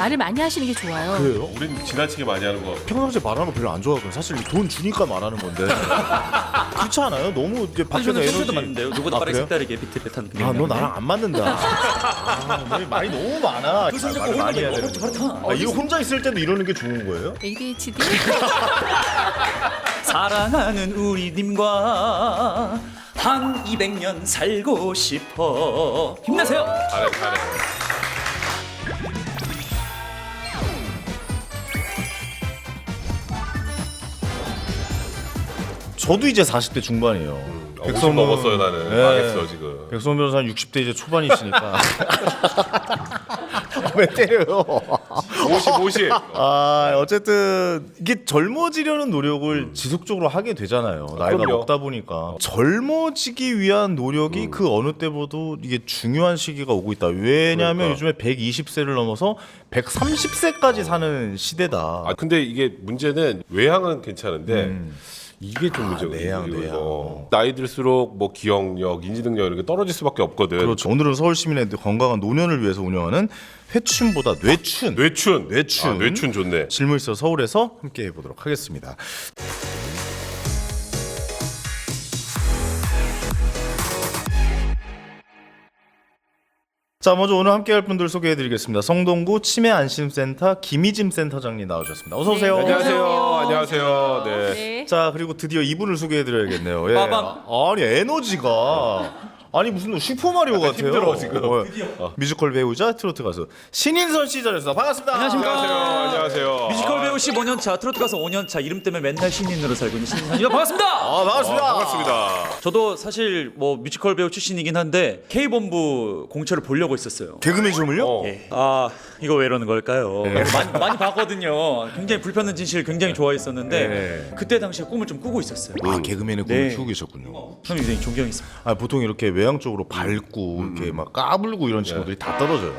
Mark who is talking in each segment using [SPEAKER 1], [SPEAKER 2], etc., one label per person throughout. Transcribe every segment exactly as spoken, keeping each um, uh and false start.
[SPEAKER 1] 말을 많이 하시는 게 좋아요.
[SPEAKER 2] 그래요?
[SPEAKER 3] 우린 지나치게 많이 하는 거.
[SPEAKER 2] 평상시에 말하는 거 별로 안 좋아하거든요. 사실 돈 주니까 말하는 건데 그렇지 않아요? 너무 이제 밖에서
[SPEAKER 4] 저는
[SPEAKER 2] 에너지
[SPEAKER 4] 평소도 맞는데요. 누구보다
[SPEAKER 2] 아,
[SPEAKER 4] 빠르게
[SPEAKER 2] 그래요?
[SPEAKER 4] 색다르게 비트를 타는
[SPEAKER 2] 아, 너 나랑 안 맞는다. 아, 너 말이 너무 많아. 아, 말을 많이 해야 되는 거. 아, 이거 혼자 있을 때도 이러는 게 좋은 거예요?
[SPEAKER 1] 에이디에이치디?
[SPEAKER 4] 사랑하는 우리 님과 한 이백 년 살고 싶어. 힘내세요.
[SPEAKER 3] 잘해 잘해.
[SPEAKER 2] 저도 이제 사십 대 중반이에요.
[SPEAKER 3] 음, 오십 먹었어요 나는.
[SPEAKER 2] 네.
[SPEAKER 3] 망했어 지금.
[SPEAKER 2] 백성원 변호사는 육십 대 이제 초반이시니까. 왜 때려요?
[SPEAKER 3] 오십 오십.
[SPEAKER 2] 아, 어쨌든 이게 젊어지려는 노력을 음. 지속적으로 하게 되잖아요. 나이가
[SPEAKER 3] 그럼요.
[SPEAKER 2] 먹다 보니까 젊어지기 위한 노력이
[SPEAKER 3] 음.
[SPEAKER 2] 그 어느 때보다도 이게 중요한 시기가 오고 있다. 왜냐하면
[SPEAKER 3] 그러니까.
[SPEAKER 2] 요즘에 백이십 세를 넘어서 백삼십 세까지 사는 시대다.
[SPEAKER 3] 아 근데 이게 문제는 외향은 괜찮은데.
[SPEAKER 2] 음.
[SPEAKER 3] 이게 좀 문제거든요.
[SPEAKER 2] 내향,
[SPEAKER 3] 이거.
[SPEAKER 2] 내향.
[SPEAKER 3] 어. 나이 들수록 뭐 기억력, 인지 능력 이런 게 떨어질 수밖에 없거든.
[SPEAKER 2] 그렇죠. 오늘은 서울 시민의 건강한 노년을 위해서 운영하는 회춘보다 뇌춘.
[SPEAKER 3] 뇌춘.
[SPEAKER 2] 뇌춘.
[SPEAKER 3] 아, 뇌춘 좋네.
[SPEAKER 2] 질문있어 서울에서 함께 해보도록 하겠습니다. 자, 먼저 오늘 함께할 분들 소개해드리겠습니다. 성동구 치매안심센터 김희짐 센터장님 나오셨습니다. 어서 오세요.
[SPEAKER 3] 네, 안녕하세요.
[SPEAKER 1] 안녕하세요.
[SPEAKER 3] 안녕하세요. 네.
[SPEAKER 1] 네.
[SPEAKER 2] 자, 그리고 드디어 이분을 소개해드려야겠네요. 예.
[SPEAKER 4] 빠밤.
[SPEAKER 2] 아니 에너지가 아니 무슨 슈퍼마리오 같아요.
[SPEAKER 3] 힘들어, 지금.
[SPEAKER 2] 어, 뮤지컬 배우자 트로트 가수 신인선 씨 자리에서 반갑습니다.
[SPEAKER 4] 안녕하십니까.
[SPEAKER 3] 안녕하세요. 안녕하세요.
[SPEAKER 4] 뮤지컬 배우 십오 년 차, 트로트 가수 오 년 차, 이름 때문에 맨날 신인으로 살고 있는 신인입니다. 반갑습니다.
[SPEAKER 2] 아, 반갑습니다.
[SPEAKER 3] 아, 반갑습니다.
[SPEAKER 4] 저도 사실 뭐 뮤지컬 배우 출신이긴 한데 K본부 공채를 보려고 했었어요.
[SPEAKER 2] 개그맨 시험을요?
[SPEAKER 3] 어.
[SPEAKER 4] 예. 아 이거 왜 이러는 걸까요? 많이, 많이 봤거든요. 굉장히 불편한 진실 굉장히 좋아했었는데
[SPEAKER 2] 네.
[SPEAKER 4] 그때 당시에 꿈을 좀 꾸고 있었어요.
[SPEAKER 2] 아, 개그맨의 꿈을
[SPEAKER 4] 네.
[SPEAKER 2] 키우고 계셨군요.
[SPEAKER 4] 저는 굉장히 존경했습니다.
[SPEAKER 2] 아, 보통 이렇게 외향 쪽으로 밝고 이렇게 막 까불고 이런 친구들이 다 떨어져요.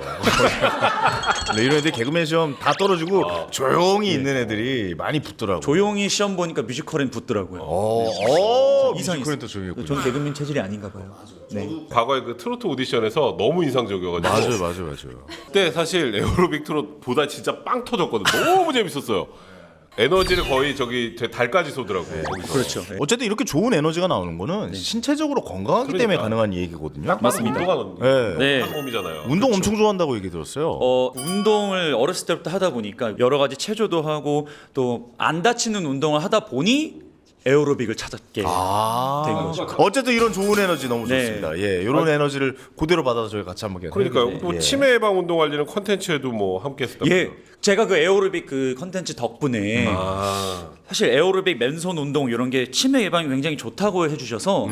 [SPEAKER 2] 네, 이런 애들 개그맨 시험 다 떨어지고 조용히 있는 애들이 많이 붙더라고요.
[SPEAKER 4] 조용히 시험 보니까 뮤지컬엔 붙더라고요.
[SPEAKER 2] 어, 어,
[SPEAKER 4] 이상했어요.
[SPEAKER 2] 뮤지컬은 또 조용했군요.
[SPEAKER 4] 전 개그맨 체질이 아닌가 봐요. 네.
[SPEAKER 3] 과거에 그 트로트 오디션에서 너무 인상적이어가지고.
[SPEAKER 2] 맞아요, 맞아요, 맞아요.
[SPEAKER 3] 그때 사실 에어로빅 트롯보다 진짜 빵 터졌거든. 너무 재밌었어요. 에너지를 거의 저기 제 달까지 쏘더라고요. 거기서.
[SPEAKER 4] 그렇죠. 네.
[SPEAKER 2] 어쨌든 이렇게 좋은 에너지가 나오는 거는 신체적으로 건강하기
[SPEAKER 3] 그러니까.
[SPEAKER 2] 때문에 가능한 얘기거든요.
[SPEAKER 4] 맞습니다.
[SPEAKER 3] 운동하는
[SPEAKER 2] 네.
[SPEAKER 4] 네.
[SPEAKER 3] 한 몸이잖아요.
[SPEAKER 2] 운동 엄청 좋아한다고 얘기 들었어요.
[SPEAKER 4] 어, 운동을 어렸을 때부터 하다 보니까 여러 가지 체조도 하고 또 안 다치는 운동을 하다 보니 에어로빅을 찾았게
[SPEAKER 2] 아,
[SPEAKER 4] 된 거죠.
[SPEAKER 2] 어쨌든 이런 좋은 에너지 너무
[SPEAKER 4] 네.
[SPEAKER 2] 좋습니다. 예, 이런 에너지를 그대로 받아서 저희 같이 한번
[SPEAKER 3] 그러니까요.
[SPEAKER 2] 해보겠습니다.
[SPEAKER 3] 뭐
[SPEAKER 2] 예.
[SPEAKER 3] 치매 예방 운동 관리는 컨텐츠에도 뭐 함께 했었다고요.
[SPEAKER 4] 예, 제가 그 에어로빅 그 컨텐츠 덕분에
[SPEAKER 3] 아.
[SPEAKER 4] 사실 에어로빅 맨손 운동 이런 게 치매 예방에 굉장히 좋다고 해주셔서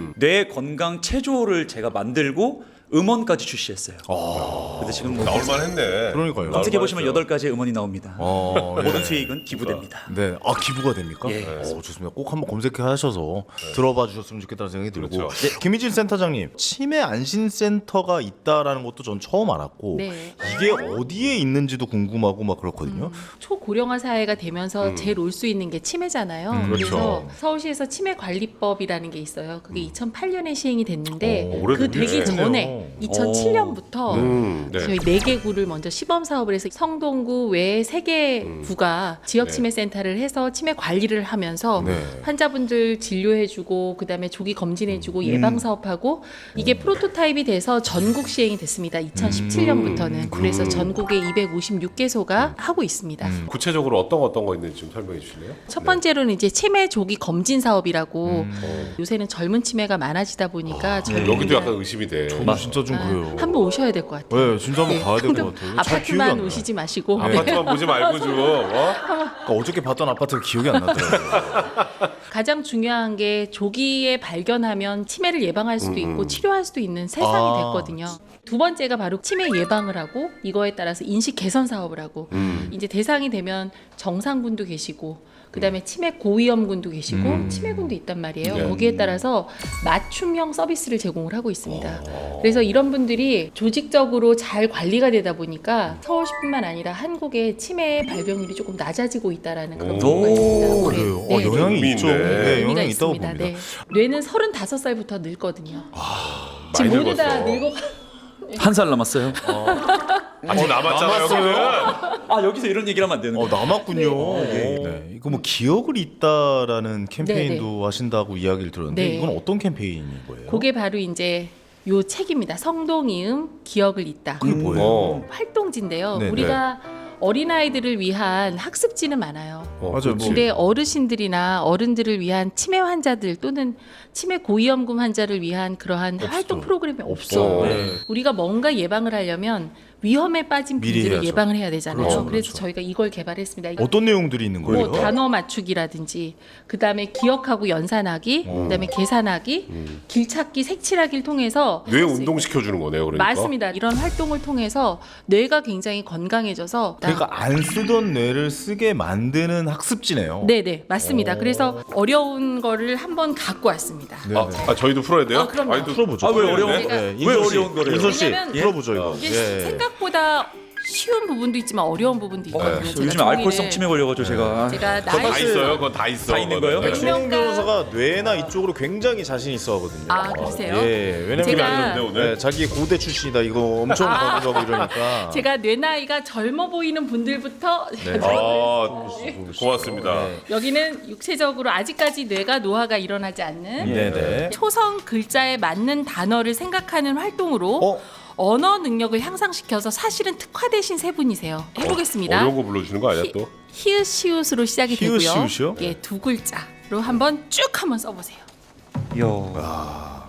[SPEAKER 4] 뇌 건강 체조를 제가 만들고 음원까지 출시했어요. 근데 지금 뭐
[SPEAKER 3] 나올만 했네.
[SPEAKER 2] 그러니까요.
[SPEAKER 4] 검색해 보시면 여덟 가지의 음원이 나옵니다.
[SPEAKER 2] 어, 예.
[SPEAKER 4] 모든 수익은 기부됩니다.
[SPEAKER 2] 네, 아 기부가 됩니까?
[SPEAKER 4] 예.
[SPEAKER 2] 어, 좋습니다. 꼭 한번 검색해 하셔서 들어봐 주셨으면 좋겠다는 생각이 들고.
[SPEAKER 3] 그렇죠.
[SPEAKER 2] 네. 김희진 센터장님, 치매 안심 센터가 있다라는 것도 전 처음 알았고
[SPEAKER 1] 네.
[SPEAKER 2] 이게 어디에 있는지도 궁금하고 막 그렇거든요.
[SPEAKER 1] 초고령화 사회가 되면서 제일 올 수 있는 게 치매잖아요.
[SPEAKER 2] 음,
[SPEAKER 1] 그래서
[SPEAKER 2] 그렇죠.
[SPEAKER 1] 서울시에서 치매 관리법이라는 게 있어요. 그게 이천팔 년에 시행이 됐는데
[SPEAKER 3] 어,
[SPEAKER 1] 그
[SPEAKER 3] 오래됐네.
[SPEAKER 1] 되기 전에 이천칠 년부터
[SPEAKER 3] 음, 네.
[SPEAKER 1] 저희 네 개 구를 먼저 시범 사업을 해서 성동구 외에 세 개 구가 지역 치매 센터를 해서 치매 관리를 하면서
[SPEAKER 2] 네.
[SPEAKER 1] 환자분들 진료해주고 그다음에 조기 검진해주고 예방 사업하고 이게 프로토타입이 돼서 전국 시행이 됐습니다. 이천십칠 년부터는 그래서 전국에 이백오십육 개소가 하고 있습니다.
[SPEAKER 3] 구체적으로 어떤 거 어떤 거 있는지 좀 설명해 주실래요?
[SPEAKER 1] 첫 번째로는 이제 치매 조기 검진 사업이라고 요새는 젊은 치매가 많아지다 보니까 젊은
[SPEAKER 3] 여기도 약간 의심이 돼.
[SPEAKER 2] 저도 진짜 좀 그래요.
[SPEAKER 1] 한번 오셔야 될 것 같아요.
[SPEAKER 2] 네, 진짜 한번 가야 될 것 같아요. 잘 기억이 안
[SPEAKER 1] 아파트만
[SPEAKER 2] 나요.
[SPEAKER 1] 오시지 마시고 네.
[SPEAKER 3] 아파트만 보지 말고 좀. 어?
[SPEAKER 2] 그러니까 어저께 봤던 아파트가 기억이 안 나더라고요.
[SPEAKER 1] 가장 중요한 게 조기에 발견하면 치매를 예방할 수도 있고 치료할 수도 있는 세상이
[SPEAKER 2] 아.
[SPEAKER 1] 됐거든요. 두 번째가 바로 치매 예방을 하고 이거에 따라서 인식 개선 사업을 하고 이제 대상이 되면 정상군도 계시고 그다음에 치매 고위험군도 계시고
[SPEAKER 2] 음.
[SPEAKER 1] 치매군도 있단 말이에요.
[SPEAKER 3] 네.
[SPEAKER 1] 거기에 따라서 맞춤형 서비스를 제공을 하고 있습니다. 그래서 이런 분들이 조직적으로 잘 관리가 되다 보니까 서울시뿐만 아니라 한국의 치매 발병률이 조금 낮아지고 있다라는 그런
[SPEAKER 3] 오,
[SPEAKER 1] 보고가 있습니다. 올해.
[SPEAKER 2] 그래요.
[SPEAKER 1] 네,
[SPEAKER 2] 어,
[SPEAKER 1] 네.
[SPEAKER 2] 영향이
[SPEAKER 3] 의미
[SPEAKER 2] 있죠.
[SPEAKER 3] 있네.
[SPEAKER 2] 네,
[SPEAKER 1] 의미가
[SPEAKER 2] 영향이 있다고
[SPEAKER 1] 있습니다.
[SPEAKER 2] 봅니다.
[SPEAKER 1] 네. 뇌는 서른다섯 살부터 늙거든요.
[SPEAKER 3] 많이
[SPEAKER 1] 지금 모두 다
[SPEAKER 3] 늙었어.
[SPEAKER 1] 늙어
[SPEAKER 4] 한 살 남았어요.
[SPEAKER 3] 아직 남았잖아요. 여기는.
[SPEAKER 4] 아 여기서 이런 얘기를 하면 안 되는
[SPEAKER 2] 어
[SPEAKER 4] 거예요.
[SPEAKER 2] 남았군요.
[SPEAKER 1] 네.
[SPEAKER 2] 네. 이거 뭐 기억을 잇다라는 캠페인도 하신다고 이야기를 들었는데
[SPEAKER 1] 네.
[SPEAKER 2] 이건 어떤 캠페인인 거예요?
[SPEAKER 1] 그게 바로 이제 요 책입니다. 성동이음 기억을 잇다.
[SPEAKER 2] 그게 뭐예요?
[SPEAKER 3] 어.
[SPEAKER 1] 활동지인데요.
[SPEAKER 2] 네,
[SPEAKER 1] 우리가 어린아이들을 위한 학습지는 많아요.
[SPEAKER 3] 어,
[SPEAKER 2] 맞아요.
[SPEAKER 3] 그렇지.
[SPEAKER 1] 근데 어르신들이나 어른들을 위한 치매 환자들 또는 치매 고위험군 환자를 위한 그러한 활동 프로그램이 없어.
[SPEAKER 3] 어.
[SPEAKER 2] 네.
[SPEAKER 1] 우리가 뭔가 예방을 하려면 위험에 빠진
[SPEAKER 2] 미리
[SPEAKER 1] 분들을
[SPEAKER 2] 해야죠.
[SPEAKER 1] 예방을 해야 되잖아요.
[SPEAKER 2] 그렇죠,
[SPEAKER 1] 그래서
[SPEAKER 2] 그렇죠.
[SPEAKER 1] 저희가 이걸 개발했습니다.
[SPEAKER 2] 어떤 내용들이 있는 거예요?
[SPEAKER 1] 뭐 단어 맞추기라든지 그다음에 기억하고 연산하기, 그다음에 계산하기, 길찾기, 색칠하기를 통해서
[SPEAKER 3] 뇌
[SPEAKER 1] 할수
[SPEAKER 3] 운동 시켜주는 거네요. 그러니까.
[SPEAKER 1] 맞습니다. 이런 활동을 통해서 뇌가 굉장히 건강해져서
[SPEAKER 2] 그러니까 안 쓰던 뇌를 쓰게 만드는 학습지네요.
[SPEAKER 1] 네네 맞습니다. 그래서 어려운 거를 한번 갖고 왔습니다.
[SPEAKER 2] 네,
[SPEAKER 3] 아,
[SPEAKER 2] 네.
[SPEAKER 3] 아 저희도 풀어야 돼요?
[SPEAKER 1] 아, 그럼요.
[SPEAKER 3] 아니, 또
[SPEAKER 2] 풀어보죠.
[SPEAKER 4] 아, 왜 어려운
[SPEAKER 3] 네?
[SPEAKER 4] 거?
[SPEAKER 1] 제가-
[SPEAKER 2] 네,
[SPEAKER 4] 왜
[SPEAKER 2] 인선 씨,
[SPEAKER 4] 어려운 거래요?
[SPEAKER 2] 인선 씨
[SPEAKER 1] 왜냐면-
[SPEAKER 2] 풀어보죠 이거.
[SPEAKER 1] 이게
[SPEAKER 2] 예.
[SPEAKER 1] 생각보다 쉬운 부분도 있지만 어려운 부분도 있거든요.
[SPEAKER 4] 어,
[SPEAKER 1] 제가
[SPEAKER 4] 요즘
[SPEAKER 1] 종이를-
[SPEAKER 4] 알코올성 치매 걸려가지고 제가
[SPEAKER 1] 제가
[SPEAKER 3] 그거 다
[SPEAKER 1] 나이
[SPEAKER 3] 있어요. 그거 다 있어.
[SPEAKER 4] 다 있는
[SPEAKER 3] 그거는.
[SPEAKER 4] 거예요?
[SPEAKER 3] 네.
[SPEAKER 2] 최영
[SPEAKER 1] 유명가-
[SPEAKER 2] 변호사가 뇌나 이쪽으로 굉장히 자신 있어 하거든요.
[SPEAKER 1] 아, 그러세요?
[SPEAKER 2] 예, 왜냐면
[SPEAKER 1] 제가-
[SPEAKER 3] 안 좋은데, 오늘?
[SPEAKER 2] 네, 자기 고대 출신이다 이거 엄청
[SPEAKER 1] 아.
[SPEAKER 2] 강조하고 이러니까.
[SPEAKER 1] 제가 뇌 나이가 젊어 보이는 분들부터
[SPEAKER 2] 네.
[SPEAKER 3] 아, 고맙습니다.
[SPEAKER 1] 여기는 육체적으로 아직까지 뇌가 노화가 일어나지 않는
[SPEAKER 2] 네네.
[SPEAKER 1] 초성 글자에 맞는 단어를 생각하는 활동으로
[SPEAKER 2] 어?
[SPEAKER 1] 언어 능력을 향상시켜서 사실은 특화 되신 세 분이세요. 해보겠습니다.
[SPEAKER 3] 어려운 거 불러주는 거 아니야 또?
[SPEAKER 1] 히읗시옷으로 시작이 되고요.
[SPEAKER 2] 히읗시옷이요?
[SPEAKER 1] 예, 두 글자로 한번 쭉 한번 써보세요.
[SPEAKER 4] 이야.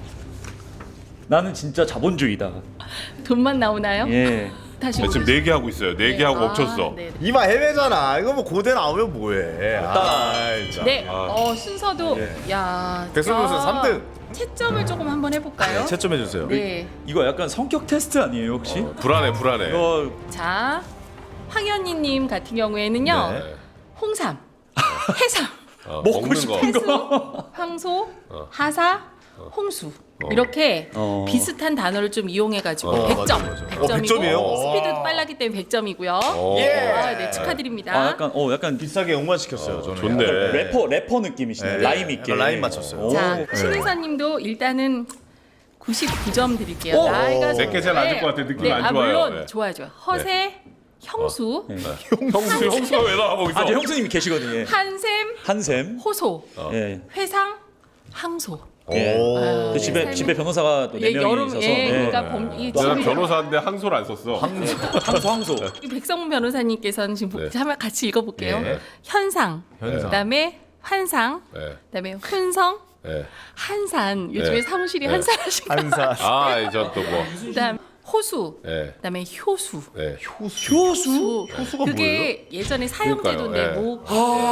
[SPEAKER 4] 나는 진짜 자본주의다.
[SPEAKER 1] 돈만 나오나요?
[SPEAKER 4] 예.
[SPEAKER 1] 다시
[SPEAKER 3] 네, 지금 네 개 하고 있어요. 네 개 하고 멈췄어.
[SPEAKER 1] 아, 네.
[SPEAKER 2] 이마 해외잖아. 이거 뭐 고대 나오면 뭐해? 아, 진짜.
[SPEAKER 1] 네, 어, 순서도 야.
[SPEAKER 2] 백선 변호사
[SPEAKER 1] 저
[SPEAKER 2] 삼 등.
[SPEAKER 1] 채점을 조금 한번 해볼까요?
[SPEAKER 2] 채점해 주세요.
[SPEAKER 1] 네.
[SPEAKER 4] 이거 약간 성격 테스트 아니에요 혹시?
[SPEAKER 3] 불안해, 불안해.
[SPEAKER 4] 이거
[SPEAKER 1] 자, 황현희님 같은 경우에는요,
[SPEAKER 2] 네.
[SPEAKER 1] 홍삼, 해삼,
[SPEAKER 3] 어,
[SPEAKER 4] 먹고
[SPEAKER 3] 먹는
[SPEAKER 4] 싶은
[SPEAKER 3] 거.
[SPEAKER 1] 해수, 황소, 하사, 홍수 이렇게
[SPEAKER 4] 어.
[SPEAKER 1] 비슷한 단어를 좀 이용해가지고
[SPEAKER 3] 어,
[SPEAKER 1] 백 점,
[SPEAKER 2] 맞아, 맞아.
[SPEAKER 1] 백
[SPEAKER 2] 어,
[SPEAKER 1] 점이고
[SPEAKER 2] 백 점이에요?
[SPEAKER 1] 스피드도 빨랐기 때문에 백 점이고요.
[SPEAKER 3] 어.
[SPEAKER 1] 아, 네, 축하드립니다.
[SPEAKER 4] 아 약간 어 약간
[SPEAKER 2] 비싸게 응원시켰어요. 저는.
[SPEAKER 3] 좋네.
[SPEAKER 2] 약간
[SPEAKER 4] 래퍼 래퍼 느낌이시네.
[SPEAKER 2] 네.
[SPEAKER 4] 라임 있게.
[SPEAKER 2] 약간 라임 맞췄어요.
[SPEAKER 4] 오.
[SPEAKER 1] 자,
[SPEAKER 2] 네.
[SPEAKER 1] 신혜선님도 일단은 구십구 점 드릴게요.
[SPEAKER 4] 오!
[SPEAKER 1] 나이가
[SPEAKER 3] 내게 제일 안 좋을 것 같아. 느낌이
[SPEAKER 1] 네,
[SPEAKER 3] 안
[SPEAKER 1] 아,
[SPEAKER 3] 좋아요.
[SPEAKER 1] 물론
[SPEAKER 3] 네.
[SPEAKER 1] 좋아요, 좋아요. 허세, 형수,
[SPEAKER 3] 형수, 형수가 왜 나와 거기서?
[SPEAKER 4] 아, 이제 형수님이 계시거든요. 예.
[SPEAKER 1] 한샘,
[SPEAKER 4] 한샘.
[SPEAKER 1] 호소,
[SPEAKER 4] 예.
[SPEAKER 1] 회상, 항소.
[SPEAKER 4] 예.
[SPEAKER 2] 오.
[SPEAKER 1] 아,
[SPEAKER 4] 그 집에
[SPEAKER 1] 삶이-
[SPEAKER 4] 집에 변호사가 또 네
[SPEAKER 1] 예,
[SPEAKER 4] 명이
[SPEAKER 1] 여름
[SPEAKER 4] 있어서.
[SPEAKER 1] 예,
[SPEAKER 4] 네.
[SPEAKER 1] 그러니까 범, 이
[SPEAKER 3] 내가
[SPEAKER 1] 지금
[SPEAKER 3] 변호사인데 항소를 안 썼어.
[SPEAKER 4] 항소 항소.
[SPEAKER 1] 이 백성문 변호사님께서는 지금
[SPEAKER 3] 네.
[SPEAKER 1] 한번 같이 읽어볼게요.
[SPEAKER 2] 네.
[SPEAKER 1] 현상,
[SPEAKER 2] 현상.
[SPEAKER 1] 그다음에 환상,
[SPEAKER 3] 네.
[SPEAKER 1] 그다음에 훈성,
[SPEAKER 3] 네.
[SPEAKER 1] 한산. 요즘에
[SPEAKER 3] 네.
[SPEAKER 1] 사무실이
[SPEAKER 3] 네.
[SPEAKER 1] 한산하신 거.
[SPEAKER 2] 한사.
[SPEAKER 3] 아, 이제 또 뭐.
[SPEAKER 1] 그다음 호수,
[SPEAKER 3] 네.
[SPEAKER 1] 그다음에 효수.
[SPEAKER 3] 네.
[SPEAKER 1] 효수.
[SPEAKER 2] 효수가
[SPEAKER 1] 그게 예전에 사형제도인데
[SPEAKER 3] 그러니까요. 네.
[SPEAKER 1] 뭐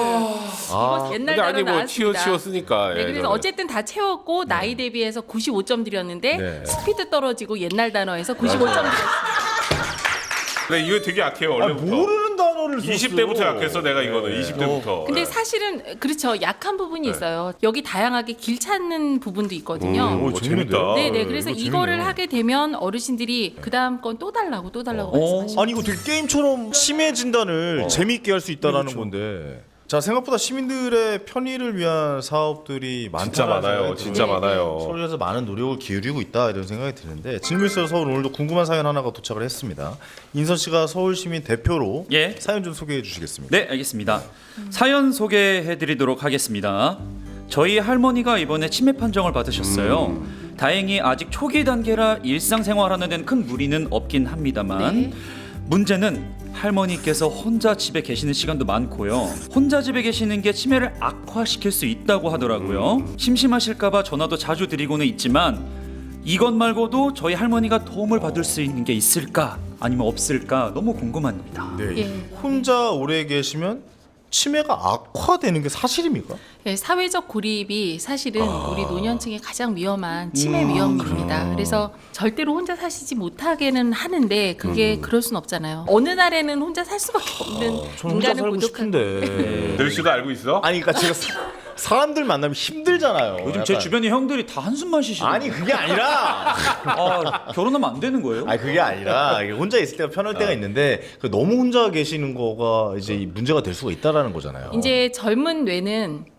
[SPEAKER 2] 아,
[SPEAKER 1] 옛날
[SPEAKER 3] 근데 아니
[SPEAKER 1] 단어
[SPEAKER 3] 뭐 치어
[SPEAKER 1] 나왔습니다.
[SPEAKER 3] 치어 쓰니까.
[SPEAKER 1] 네,
[SPEAKER 3] 예,
[SPEAKER 1] 그래서
[SPEAKER 3] 저는.
[SPEAKER 1] 어쨌든 다 채웠고 나이 대비해서 구십오 점 드렸는데
[SPEAKER 2] 네.
[SPEAKER 1] 스피드 떨어지고 옛날 단어에서 구십오 점 드렸습니다.
[SPEAKER 3] 근데 이거 되게 약해요
[SPEAKER 2] 아,
[SPEAKER 3] 원래부터.
[SPEAKER 2] 모르는 단어를 썼어.
[SPEAKER 3] 이십 대부터 약했어 내가 이거는.
[SPEAKER 2] 네.
[SPEAKER 3] 이십 대부터.
[SPEAKER 1] 근데 사실은 그렇죠. 약한 부분이 있어요. 여기 다양하게 길 찾는 부분도 있거든요.
[SPEAKER 3] 음, 오, 재밌다.
[SPEAKER 1] 네, 네. 그래서
[SPEAKER 2] 이거
[SPEAKER 1] 이거를
[SPEAKER 2] 재밌네.
[SPEAKER 1] 하게 되면 어르신들이 그 다음 건 또 달라고 또 달라고
[SPEAKER 4] 어.
[SPEAKER 1] 말씀하시죠.
[SPEAKER 2] 아니 이거 되게 게임처럼 치매 진단을 재미있게 할 수 있다라는
[SPEAKER 3] 그렇죠.
[SPEAKER 2] 건데. 자 생각보다 시민들의 편의를 위한 사업들이 많다.
[SPEAKER 3] 진짜 많아요. 진짜
[SPEAKER 1] 네,
[SPEAKER 3] 많아요.
[SPEAKER 2] 서울에서 많은 노력을 기울이고 있다 이런 생각이 드는데 질문서 서울 오늘도 궁금한 사연 하나가 도착을 했습니다. 인선 씨가 서울시민 대표로
[SPEAKER 4] 예.
[SPEAKER 2] 사연 좀 소개해 주시겠습니까?
[SPEAKER 4] 네, 알겠습니다. 사연 소개해 드리도록 하겠습니다. 저희 할머니가 이번에 치매 판정을 받으셨어요. 다행히 아직 초기 단계라 일상생활하는 데는 큰 무리는 없긴 합니다만
[SPEAKER 1] 네.
[SPEAKER 4] 문제는 할머니께서 혼자 집에 계시는 시간도 많고요. 혼자 집에 계시는 게 치매를 악화시킬 수 있다고 하더라고요. 심심하실까봐 전화도 자주 드리고는 있지만 이것 말고도 저희 할머니가 도움을 받을 수 있는 게 있을까 아니면 없을까 너무 궁금합니다.
[SPEAKER 2] 네.
[SPEAKER 1] 예.
[SPEAKER 2] 혼자 오래 계시면 치매가 악화되는 게 사실입니까?
[SPEAKER 1] 네, 사회적 고립이 사실은
[SPEAKER 2] 아.
[SPEAKER 1] 우리 노년층의 가장 위험한 치매 위험입니다. 그래서 절대로 혼자 사시지 못하게는 하는데 그게 그럴 순 없잖아요. 어느 날에는 혼자 살 수밖에 없는
[SPEAKER 2] 음. 저는 혼자
[SPEAKER 1] 인간을
[SPEAKER 2] 살고
[SPEAKER 1] 고독한
[SPEAKER 2] 싶은데.
[SPEAKER 3] 늘 씨도 알고 있어?
[SPEAKER 2] 아니 그러니까 제가 사, 사람들 만나면 힘들잖아요.
[SPEAKER 4] 요즘 제
[SPEAKER 2] 약간.
[SPEAKER 4] 주변의 형들이 다 한숨만 쉬시고
[SPEAKER 2] 아니 그게 아니라
[SPEAKER 4] 아, 결혼하면 안 되는 거예요?
[SPEAKER 2] 아니 그게 아니라 이게 혼자 있을 때가 편할 때가 있는데 그 너무 혼자 계시는 거가 이제 이 문제가 될 수가 있다라는 거잖아요.
[SPEAKER 1] 이제 젊은 뇌는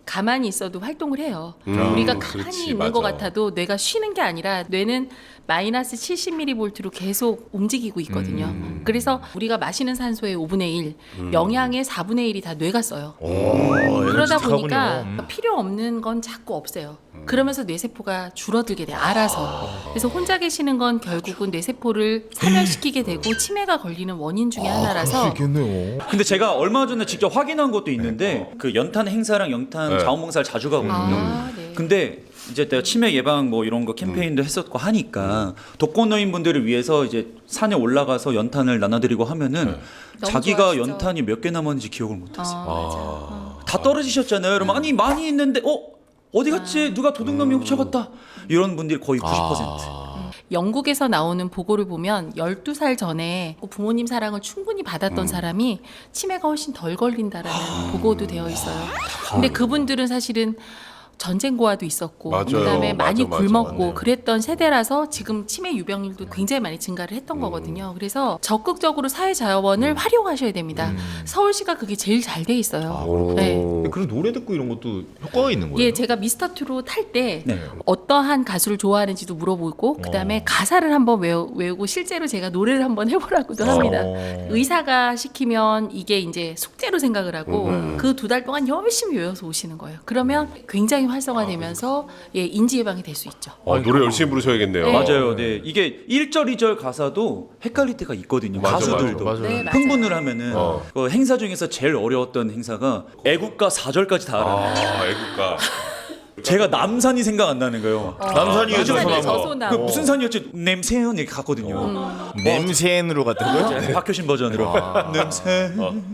[SPEAKER 1] 가만히 있어도 활동을 해요.
[SPEAKER 3] 음,
[SPEAKER 1] 우리가 가만히
[SPEAKER 3] 그렇지,
[SPEAKER 1] 있는
[SPEAKER 3] 맞아.
[SPEAKER 1] 것 같아도 뇌가 쉬는 게 아니라 뇌는 마이너스 칠십 밀리볼트로 계속 움직이고 있거든요.
[SPEAKER 3] 음.
[SPEAKER 1] 그래서 우리가 마시는 산소의 오분의 일, 영양의 사분의 일이 다 뇌가 써요.
[SPEAKER 2] 오, 에너지
[SPEAKER 1] 그러다
[SPEAKER 2] 타군요.
[SPEAKER 1] 보니까
[SPEAKER 2] 음.
[SPEAKER 1] 필요 없는 건 자꾸 없애요. 그러면서 뇌세포가 줄어들게 돼요. 알아서. 그래서 혼자 계시는 건 결국은 뇌세포를 사멸시키게 되고 치매가 걸리는 원인 중에 하나라서
[SPEAKER 2] 있겠네요.
[SPEAKER 4] 근데 제가 얼마 전에 직접 확인한 것도 있는데 그 연탄 행사랑 연탄
[SPEAKER 3] 네.
[SPEAKER 4] 자원봉사를 자주 가거든요.
[SPEAKER 1] 아, 네.
[SPEAKER 4] 근데 이제 내가 치매 예방 뭐 이런 거 캠페인도 했었고 하니까 독거노인 분들을 위해서 이제 산에 올라가서 연탄을 나눠드리고 하면은
[SPEAKER 1] 너무
[SPEAKER 4] 자기가
[SPEAKER 1] 좋아하시죠?
[SPEAKER 4] 연탄이 몇 개 남았는지 기억을
[SPEAKER 1] 어,
[SPEAKER 4] 못했어요.
[SPEAKER 1] 맞아. 어.
[SPEAKER 4] 다 떨어지셨잖아요. 그러면 아니 많이 있는데 어 어디 갔지? 누가 도둑놈이 훔쳐갔다. 이런 분들이 거의 구십 퍼센트.
[SPEAKER 1] 영국에서 나오는 보고를 보면 열두 살 전에 부모님 사랑을 충분히 받았던
[SPEAKER 3] 음.
[SPEAKER 1] 사람이 치매가 훨씬 덜 걸린다라는 보고도 되어 있어요. 근데 그분들은 사실은 전쟁 고아도 있었고
[SPEAKER 3] 맞아요.
[SPEAKER 1] 그다음에 많이
[SPEAKER 3] 맞아, 맞아,
[SPEAKER 1] 굶었고
[SPEAKER 3] 맞아요.
[SPEAKER 1] 그랬던 세대라서 지금 치매 유병률도 굉장히 많이 증가를 했던
[SPEAKER 3] 음.
[SPEAKER 1] 거거든요. 그래서 적극적으로 사회 자원을 활용하셔야 됩니다. 서울시가 그게 제일 잘 돼 있어요.
[SPEAKER 3] 오.
[SPEAKER 1] 네.
[SPEAKER 2] 근데 그런 노래 듣고 이런 것도 효과가 있는 거예요?
[SPEAKER 1] 예, 제가 미스터 트롯 탈 때
[SPEAKER 4] 네.
[SPEAKER 1] 어떠한 가수를 좋아하는지도 물어보고 그다음에 가사를 한번 외우, 외우고 실제로 제가 노래를 한번 해보라고도 합니다.
[SPEAKER 2] 어.
[SPEAKER 1] 의사가 시키면 이게 이제 숙제로 생각을 하고 그 두 달 동안 열심히 외워서 오시는 거예요. 그러면 굉장히 활성화되면서 예, 인지 예방이 될 수 있죠.
[SPEAKER 3] 어, 노래 열심히 부르셔야겠네요.
[SPEAKER 1] 네.
[SPEAKER 4] 맞아요. 네. 이게 일 절 이 절 가사도 헷갈릴 때가 있거든요.
[SPEAKER 3] 맞아,
[SPEAKER 4] 가수들도.
[SPEAKER 2] 맞아, 맞아.
[SPEAKER 1] 네, 맞아요.
[SPEAKER 4] 흥분을 하면은
[SPEAKER 3] 어.
[SPEAKER 4] 그 행사 중에서 제일 어려웠던 행사가 애국가 사 절까지 다 알아요.
[SPEAKER 3] 아, 애국가.
[SPEAKER 4] 제가 남산이 생각 안 나는 거예요.
[SPEAKER 2] 남산이
[SPEAKER 1] 남산이
[SPEAKER 2] 저소나무.
[SPEAKER 1] 저소나무.
[SPEAKER 4] 그 무슨 산이었지? 냄새는 이렇게 갔거든요.
[SPEAKER 1] 음.
[SPEAKER 2] 냄새인으로 갔다고요?
[SPEAKER 4] 네, 박효신 버전으로. 냄새.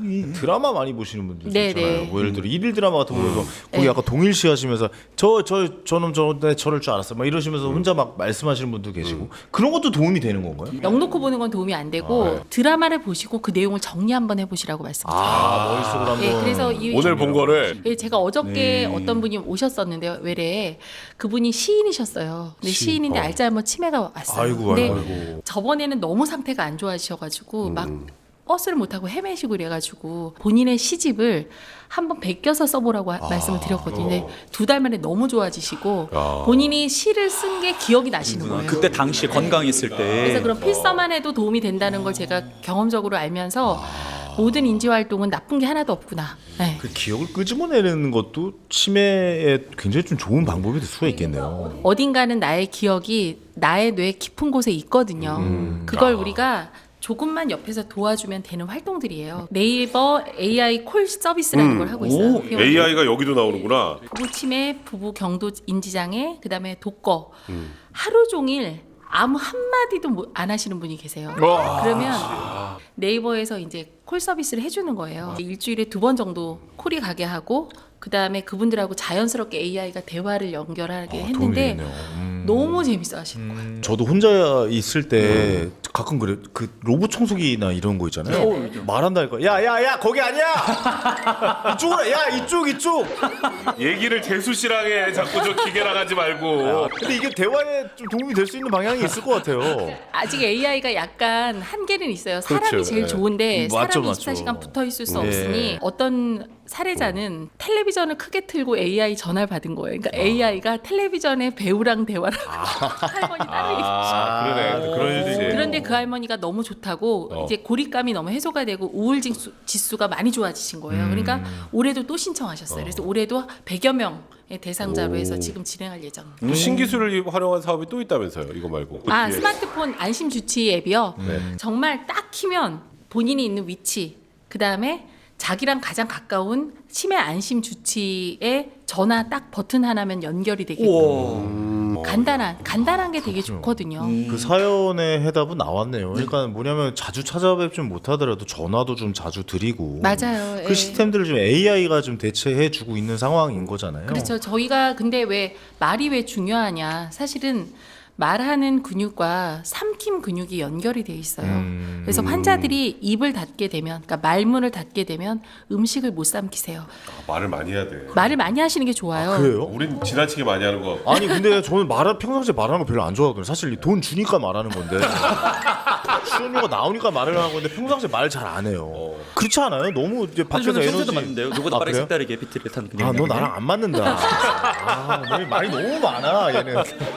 [SPEAKER 2] 드라마 많이 보시는 분들
[SPEAKER 1] 네,
[SPEAKER 2] 있잖아요.
[SPEAKER 1] 네.
[SPEAKER 2] 뭐 예를 들어 일일 드라마 같은 거 보면서 거기
[SPEAKER 1] 네.
[SPEAKER 2] 약간 동일시 하시면서 저 저 저놈 저놈 저럴 줄 알았어. 막 이러시면서 혼자 막 말씀하시는 분도 계시고 그런 것도 도움이 되는 건가요?
[SPEAKER 1] 넋 놓고 보는 건 도움이 안 되고 드라마를 보시고 그 내용을 정리 한번 해보시라고 말씀드려요.
[SPEAKER 2] 아 머릿속으로 한번.
[SPEAKER 1] 예, 그래서 이
[SPEAKER 3] 오늘 본 거를
[SPEAKER 1] 예, 제가 어저께 어떤 분이 오셨었는데요. 외래에 그분이 시인이셨어요. 근데
[SPEAKER 2] 시인,
[SPEAKER 1] 시인인데
[SPEAKER 2] 어.
[SPEAKER 1] 알츠하이머 치매가 왔어요.
[SPEAKER 2] 아이고,
[SPEAKER 1] 근데
[SPEAKER 2] 아이고.
[SPEAKER 1] 저번에는 너무 상태가 안 좋아지셔가지고 막 버스를 못 타고 헤매시고 이래가지고 본인의 시집을 한번 베껴서 써보라고 하- 말씀을 드렸거든요. 근데 두 달 만에 너무 좋아지시고
[SPEAKER 3] 야.
[SPEAKER 1] 본인이 시를 쓴 게 기억이 나시는 거예요.
[SPEAKER 4] 그때 당시에 건강했을 때.
[SPEAKER 1] 그래서 그런 필사만 해도 도움이 된다는 걸 제가 경험적으로 알면서 모든 인지 활동은 나쁜 게 하나도 없구나. 네.
[SPEAKER 2] 그 기억을 끄집어내는 것도 치매에 굉장히 좀 좋은 방법이 될 수가 있겠네요.
[SPEAKER 1] 어딘가는 나의 기억이 나의 뇌 깊은 곳에 있거든요.
[SPEAKER 2] 음.
[SPEAKER 1] 그걸 우리가 조금만 옆에서 도와주면 되는 활동들이에요. 네이버 에이아이 콜 서비스라는 걸 하고 있어요.
[SPEAKER 4] 오,
[SPEAKER 1] 그게
[SPEAKER 3] 에이아이가 여기도 나오는구나.
[SPEAKER 1] 부부 치매, 부부 경도 인지장애, 그다음에 독거. 하루 종일 아무 한마디도 못- 안 하시는 분이 계세요. 그러면 네이버에서 이제 콜 서비스를 해주는 거예요. 일주일에 두 번 정도 콜이 가게 하고 그다음에 그분들하고 자연스럽게 에이아이가 대화를 연결하게
[SPEAKER 2] 도움이
[SPEAKER 1] 했는데
[SPEAKER 2] 되겠네요. 음.
[SPEAKER 1] 너무 재밌어 하시는 거예요.
[SPEAKER 2] 저도 혼자 있을 때 가끔 그래 그 로봇 청소기나 이런 거 있잖아요. 말한다니까. 야야야 거기 아니야. 이쪽으로 야 이쪽 이쪽.
[SPEAKER 3] 얘기를 재수 씨랑 해. 자꾸 저 기계랑 하지 말고.
[SPEAKER 2] 근데 이게 대화에 좀 도움이 될 수 있는 방향이 있을 것 같아요.
[SPEAKER 1] 아직 에이아이가 약간 한계는 있어요. 사람이
[SPEAKER 3] 그렇죠.
[SPEAKER 1] 제일
[SPEAKER 3] 네.
[SPEAKER 1] 좋은데
[SPEAKER 2] 음, 맞죠,
[SPEAKER 1] 사람이
[SPEAKER 2] 맞죠.
[SPEAKER 1] 이십사 시간 붙어 있을 수
[SPEAKER 2] 네.
[SPEAKER 1] 없으니 어떤 사례자는 텔레비전을 크게 틀고 에이아이 전화를 받은 거예요. 그러니까 에이아이가 텔레비전에 배우랑 대화를 하고 할머니 딸이
[SPEAKER 3] 아, 그러네. 그런 일도 있지.
[SPEAKER 1] 그런데 그 할머니가 너무 좋다고
[SPEAKER 3] 어.
[SPEAKER 1] 이제 고립감이 너무 해소가 되고 우울 지수, 지수가 많이 좋아지신 거예요. 그러니까 올해도 또 신청하셨어요. 그래서 올해도 백여 명의 대상자로 해서 지금 진행할 예정.
[SPEAKER 3] 또 신기술을 활용한 사업이 또 있다면서요. 이거 말고.
[SPEAKER 1] 아
[SPEAKER 3] 예.
[SPEAKER 1] 스마트폰 안심 주치 앱이요.
[SPEAKER 3] 네.
[SPEAKER 1] 정말 딱 키면 본인이 있는 위치, 그 다음에 자기랑 가장 가까운 치매 안심 주치에 전화 딱 버튼 하나면 연결이 되게끔
[SPEAKER 4] 우와.
[SPEAKER 1] 간단한 간단한 게 되게 좋거든요.
[SPEAKER 2] 그 사연의 해답은 나왔네요. 그러니까 뭐냐면 자주 찾아뵙지 못하더라도 전화도 좀 자주 드리고.
[SPEAKER 1] 맞아요.
[SPEAKER 2] 그
[SPEAKER 1] 예. 시스템들을
[SPEAKER 2] 시스템들을 좀 에이아이가 좀 대체해주고 있는 상황인 거잖아요.
[SPEAKER 1] 그렇죠. 저희가 근데 왜 말이 왜 중요하냐? 사실은 말하는 근육과 삼킴 근육이 연결이 돼 있어요.
[SPEAKER 2] 음.
[SPEAKER 1] 그래서 환자들이 입을 닫게 되면, 그러니까 말문을 닫게 되면 음식을 못 삼키세요.
[SPEAKER 3] 아, 말을 많이 해야 돼.
[SPEAKER 1] 말을 많이 하시는 게 좋아요.
[SPEAKER 2] 그래요?
[SPEAKER 3] 우린 지나치게 많이 하는 거.
[SPEAKER 2] 아니 근데 저는 말 평상시에 말하는 거 별로 안 좋아하거든요. 사실 돈 주니까 말하는 건데 수업료가 나오니까 말을 하고 있는데 평상시에 말 잘 안 해요. 그렇지 않아요? 너무 이제
[SPEAKER 4] 아니,
[SPEAKER 2] 밖에서
[SPEAKER 4] 저는
[SPEAKER 2] 에너지
[SPEAKER 4] 천재도 맞는데요. 누구보다
[SPEAKER 2] 아,
[SPEAKER 4] 빠르게
[SPEAKER 2] 그래요?
[SPEAKER 4] 색다르게 비트를 탄 그냥.
[SPEAKER 2] 아, 너 나랑 안 맞는다. 아, 너 말이 너무 많아, 얘는.